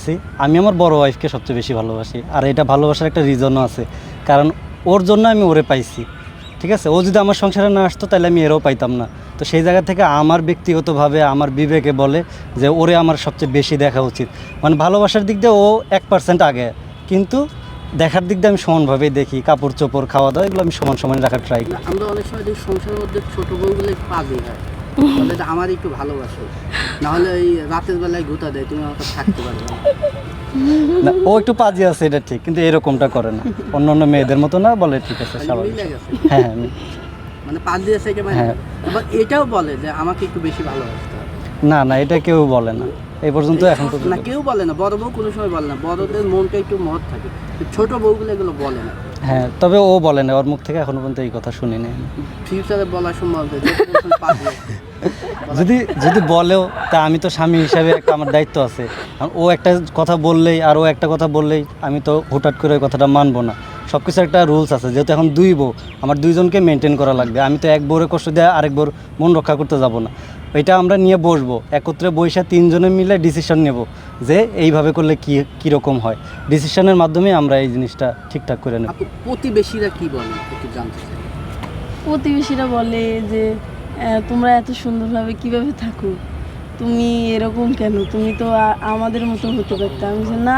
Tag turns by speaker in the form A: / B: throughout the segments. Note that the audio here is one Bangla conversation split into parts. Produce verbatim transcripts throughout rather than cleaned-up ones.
A: বলতেছি, আমি আমার বড় ওয়াইফকে সবচেয়ে বেশি ভালোবাসি। আর এটা ভালোবাসার একটা রিজনও আছে, কারণ ওর জন্য আমি ওরে পাইছি। ঠিক আছে, ও যদি আমার সংসারে না আসতো তাহলে আমি এরও পাইতাম না। তো সেই জায়গা থেকে আমার ব্যক্তিগতভাবে আমার বিবেকে বলে যে ওরে আমার সবচেয়ে বেশি দেখা উচিত। মানে ভালোবাসার দিক দিয়ে ও এক পার্সেন্ট আগে, কিন্তু দেখার দিক দিয়ে আমি সমানভাবেই দেখি। কাপড় চোপড়, খাওয়া দাওয়া, এগুলো আমি সমান সমান রাখার ট্রাই করি।
B: আমরা অনেক সময় দেখি সংসারের মধ্যে ছোট বউগুলো একটু পাজি হয়, বলে যে আমার একটু ভালোবাসো, না হলে ওই রাতের বেলায় গুতা দেয়, তুমি আমাকে থাকতে পারবে না।
A: না, ও একটু পাজি আছে, এটা ঠিক, কিন্তু এরকমটা করে না। অন্য অন্য মেয়েদের মতো না, বলে ঠিক আছে স্বাভাবিক।
B: মিলে গেছে,
A: হ্যাঁ হ্যাঁ আমি-
B: মানে পাজি আছে কি মানে।
A: হ্যাঁ।
B: আবার এটাও বলে যে আমাকে একটু বেশি ভালোবাসতে হবে।
A: না না, এটা কেউ বলে না এই পর্যন্ত, এখন তো
B: না, কেউ বলে না, বড় বউ কোনো সময় বলে না, বড়দের মনটা একটু মহৎ থাকে, ছোট বউগুলো এগুলো বলে না।
A: হ্যাঁ, তবে ও বলে না, ওর মুখ থেকে এখনো পর্যন্ত এই কথা শুনিনি আমি।
B: ফিউচারে বলার সম্ভব যে যখন পাজি আছে।
A: যদি যদি বলেও, তা আমি তো স্বামী হিসাবে একটা আমার দায়িত্ব আছে। কারণ ও একটা কথা বললেই আর ও একটা কথা বললেই আমি তো হুটহাট করে ওই কথাটা মানবো না। সব কিছু একটা রুলস আছে, যেহেতু এখন দুই বউ, আমার দুইজনকে মেনটেন করা লাগবে। আমি তো এক বউরে কষ্ট দিয়ে আরেক বউর মন রক্ষা করতে যাব না। এটা আমরা নিয়ে বসবো, একত্রে বসে তিনজনে মিলে ডিসিশন নেব যে এইভাবে করলে কী কীরকম হয়। ডিসিশনের মাধ্যমে আমরা এই জিনিসটা ঠিকঠাক করে নেব।
B: আপু, প্রতিবেশীরা কি বলে একটু জানতে চাই।
C: প্রতিবেশীরা বলে যে আহ, তোমরা এত সুন্দরভাবে কিভাবে থাকো, তুমি এরকম কেন, তুমি তো আ- আমাদের মতো হতে পারতে। আমি বলছি, না,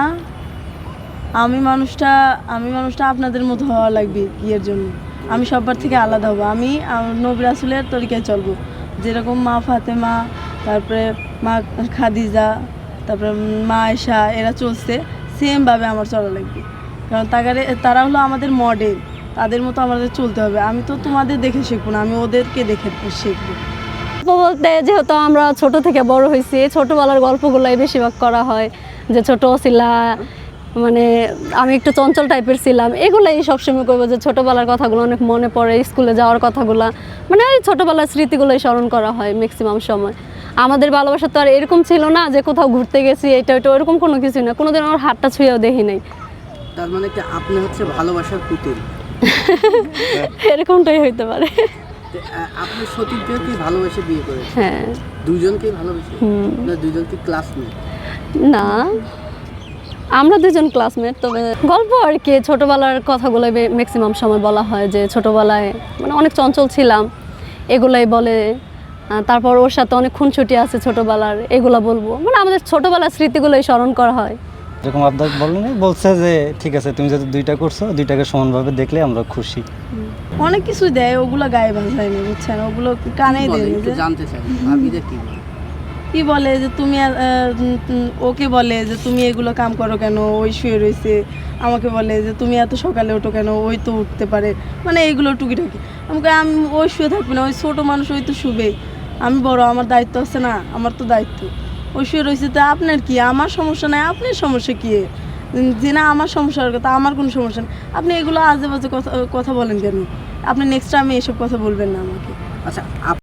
C: আমি মানুষটা আমি মানুষটা আপনাদের মতো হওয়া লাগবে বিয়ের জন্য। আমি সবার থেকে আলাদা হবো, আমি আহ, নবী রাসূলের তরিকায় চলবো। যেরকম মা ফাতেমা, তারপরে মা খাদিজা, তারপরে মা আয়েশা, এরা চলছে, সেমভাবে আমার চলা লাগবে। কারণ তাগারে তারা হলো আমাদের মডেল, তাদের মতো আমাদের চলতে হবে। আমি তো তোমাদের দেখে শিখবো না, আমি ওদেরকে দেখে শিখবো।
D: গল্প বলতে যেহেতু আমরা ছোট থেকে বড় হয়েছি, ছোটবেলার গল্পগুলাই বেশিরভাগ করা হয়। যে ছোট ছিলা, মানে আমি একটু চঞ্চল টাইপের ছিলাম, এগুলাই সবসময় করবো। যে ছোটবেলার কথাগুলো অনেক মনে পড়ে, স্কুলে যাওয়ার কথাগুলো, মানে ওই ছোটবেলার স্মৃতিগুলোই স্মরণ করা হয় ম্যাক্সিমাম সময়। আমাদের ভালোবাসা তো আর এরকম ছিল না যে কোথাও ঘুরতে গেছি এটা ওইটা, ওরকম কোনো কিছু না। কোনোদিন আমার হাতটা ছুঁয়েও দেখি নাই।
B: তার মানে কি আপনি হচ্ছে ভালোবাসার পুতুল?
D: এরকমটাই হইতে পারে।
B: তো, আহ, আপনি সতীর্থকেও কি ভালোবেসে বিয়ে করেছেন?
D: হ্যাঁ।
B: দুইজনকেই ভালোবেসে?
D: হুম।
B: না দুইজনকে ক্লাসমেট?
D: না, আমরা দুজন ক্লাসমেট। তবে গল্প আর কি, ছোটোবেলার কথাগুলো ম্যাক্সিমাম সময় বলা হয়। যে ছোটোবেলায় মানে অনেক চঞ্চল ছিলাম, এগুলাই বলে। আহ, তারপর ওর সাথে অনেক খুনছুটি আছে ছোটোবেলার, এগুলো বলবো। মানে আমাদের ছোটোবেলার স্মৃতিগুলোই স্মরণ করা হয়।
A: যেরকম আপনার বলেন, বলছে যে ঠিক আছে, তুমি যদি দুইটা করছো, দুইটাকে সমানভাবে দেখলে আমরা খুশি।
C: অনেক কিছু দেয়, ওগুলো গায়ে ভাসায় না, বুঝছেন, ওগুলো কানে
B: বলে,
C: দেয়
B: একটু
C: যে
B: জানতে চাই ভাবিরা কি বলে।
C: কি বলে যে তুমি আর, আহ, উম, ওকে বলে যে তুমি এগুলো কাম করো কেন, ওই শুয়ে রয়েছে। আমাকে বলে যে তুমি এত সকালে ওঠো কেন, ওই তো উঠতে পারে, মানে এইগুলো টুকিটাকি। আমাকে আমি ওই শুয়ে থাকবে না, ওই ছোটো মানুষ, ওই তো শুবে, আমি বড়, আমার দায়িত্ব আছে না, আমার তো দায়িত্ব। ওই শুয়ে রয়েছে, তো আপনার কি, আমার সমস্যা নাই, আপনার সমস্যা কি? উম, যে না আমার সমস্যার কথা, আমার কোনো সমস্যা নেই। আপনি এগুলো আজে বাজে কথা কথা বলেন কেন? আপনি নেক্সট টাইমে এসব কথা বলবেন না আমাকে।
B: আচ্ছা,